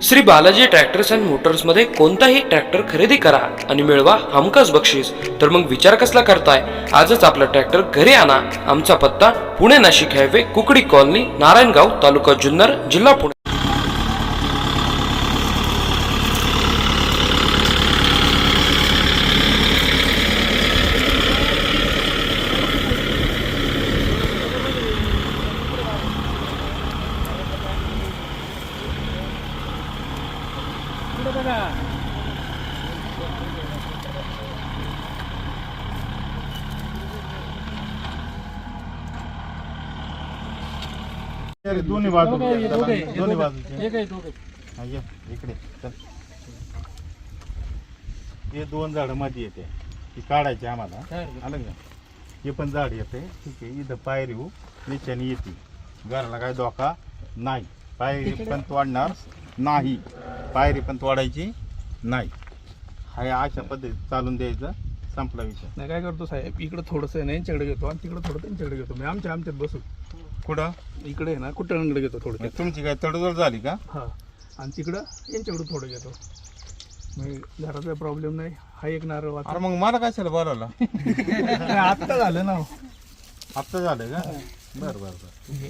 Shri Balaji tractors and motors मध्ये कोणताही tractor खरेदी करा आणि मिळवा हमखास बक्षीस। तर मग विचार कसला करताय, आजच आपला ट्रॅक्टर घरी आणा। आमचा पत्ता पुणे नाशिक हायवे, कुकडी कॉलनी, नारायणगाव, तालुका जुन्नर, जिल्हा पुणे। दोन्ही बाजू दोन्ही बाजूचे इकडे चल। हे दोन झाड मध्ये येते, ती काढायची आम्हाला, आलं का? हे पण झाड येते, ठीक आहे। इथं पायरी निशाणी येते, घराला काय धोका नाही, पायरी पण तोडणार नाही, पायरी पण तोडायची नाही। हाय अशा पद्धतीत चालून द्यायचं, संपला विषय। नाही काय करतो साहेब, इकडे थोडंसं आहे ना यांच्याकडे घेतो आणि तिकडे थोडं त्यांच्याकडे घेतो, मी आमच्यात बसू। कुठं? इकडे आहे ना कुठं घेतो थोडं। तुमची काय तडजोड झाली का? हां, आणि तिकडं यांच्याकडे थोडं घेतो, मग घराचा प्रॉब्लेम नाही। हा एक नारळ वाचा। अरे मग मला कशाला बोलावला? आत्ता झालं ना, आत्ता झालं का? बरं बरं बरं।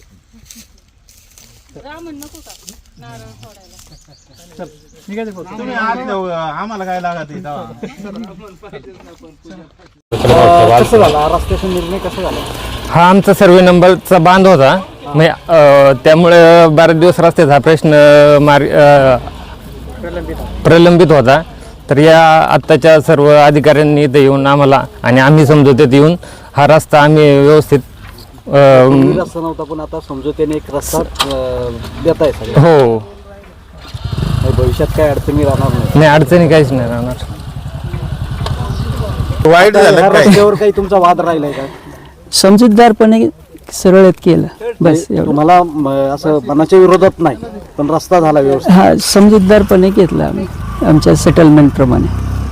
चल मी काय करतो, तुम्ही आज जाऊ, आम्हाला काय लागत आहे तेव्हा? कसं झाला रस्त्याचा निर्णय, कसा झाला? हा आमचा सर्वे नंबरचा बांध होता, त्यामुळे बरेच दिवस रस्त्याचा प्रश्न प्रलंबित होता। तर या आत्ताच्या सर्व अधिकाऱ्यांनी इथे येऊन आम्हाला आणि आम्ही समजूतेत येऊन हा रस्ता आम्ही व्यवस्थित रस्ता नव्हता, पण आता समजूतेने एक रस्ता देत आहे सगळं। हो, भविष्यात काय अडचणी राहणार नाही, अडचणी काहीच नाही राहणार। वाईट झालं नाही। काय? रस्त्यावर काही तुमचा वाद राहिलाय का? समजूतदारपणे सरळत केलं बस एवढं। तुम्हाला असं मनाच्या विरोधात नाही, पण रस्ता झाला व्यवस्थित। हा समजूतदारपणे घेतला आम्ही आमच्या सेटलमेंट प्रमाणे।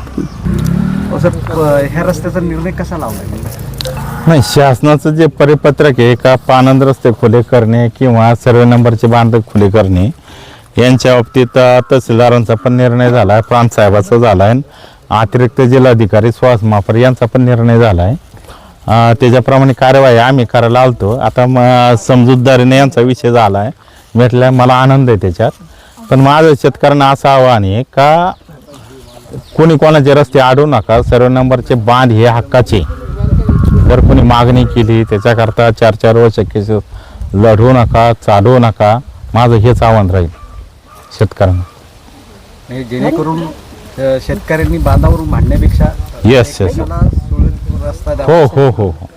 ह्या रस्त्याचा निर्णय कसा लावलाय? नाही, शासनाचं जे परिपत्रक आहे का पानंद रस्ते खुले करणे किंवा सर्वे नंबरचे बांध खुले करणे, यांच्या बाबतीत तहसीलदारांचा पण निर्णय झाला आहे, प्रांत साहेबाचा झाला आहे, अतिरिक्त जिल्हाधिकारी सुहास मापर यांचा पण निर्णय झाला आहे। त्याच्याप्रमाणे कार्यवाही आम्ही करायला आलतो। आता समजूतदारीने यांचा विषय झाला आहे, भेटला, मला आनंद आहे त्याच्यात। पण माझं शेतकऱ्यांना असं आव्हान आहे का कोणी कोणाचे रस्ते अडवू नका, सर्व नंबरचे बांध हे हक्काचे। जर कोणी मागणी केली त्याच्याकरता 4-4 वर्ष केस लढवू नका, चालवू नका, माझं हेच आव्हान राहील शेतकऱ्यांना। जेणेकरून शेतकऱ्यांनी बांधावरून भांडण्यापेक्षा येस रस्ता हो हो हो हो